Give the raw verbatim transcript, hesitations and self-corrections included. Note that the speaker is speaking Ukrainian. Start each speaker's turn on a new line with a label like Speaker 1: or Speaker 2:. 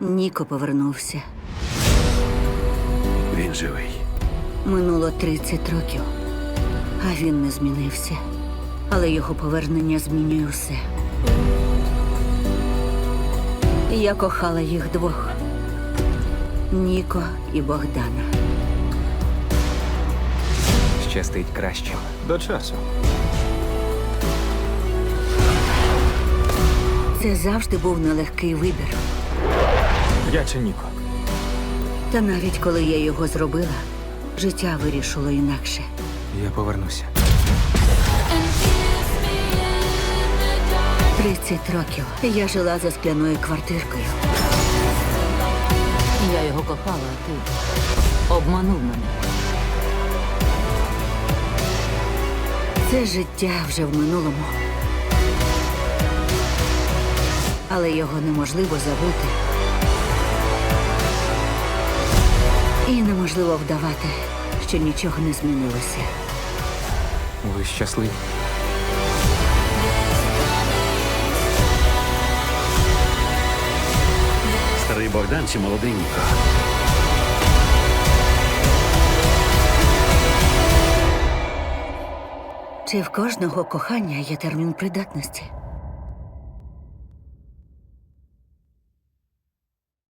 Speaker 1: Ніко повернувся.
Speaker 2: Він живий.
Speaker 1: Минуло тридцять років, а він не змінився. Але його повернення змінює все. Я кохала їх двох. Ніко і Богдана.
Speaker 3: Щастить кращим.
Speaker 4: До часу.
Speaker 1: Це завжди був нелегкий вибір.
Speaker 4: Я чи Ніко?
Speaker 1: Та навіть коли я його зробила, життя вирішило інакше.
Speaker 3: Я повернуся.
Speaker 1: тридцять років я жила за скляною квартиркою.
Speaker 5: Я його кохала, а ти обманув мене.
Speaker 1: Це життя вже в минулому. Але його неможливо забути. І неможливо вдавати, що нічого не змінилося.
Speaker 3: Ви щасливі?
Speaker 2: Старий Богдан чи молодий Ніко?
Speaker 1: Чи в кожного кохання є термін придатності?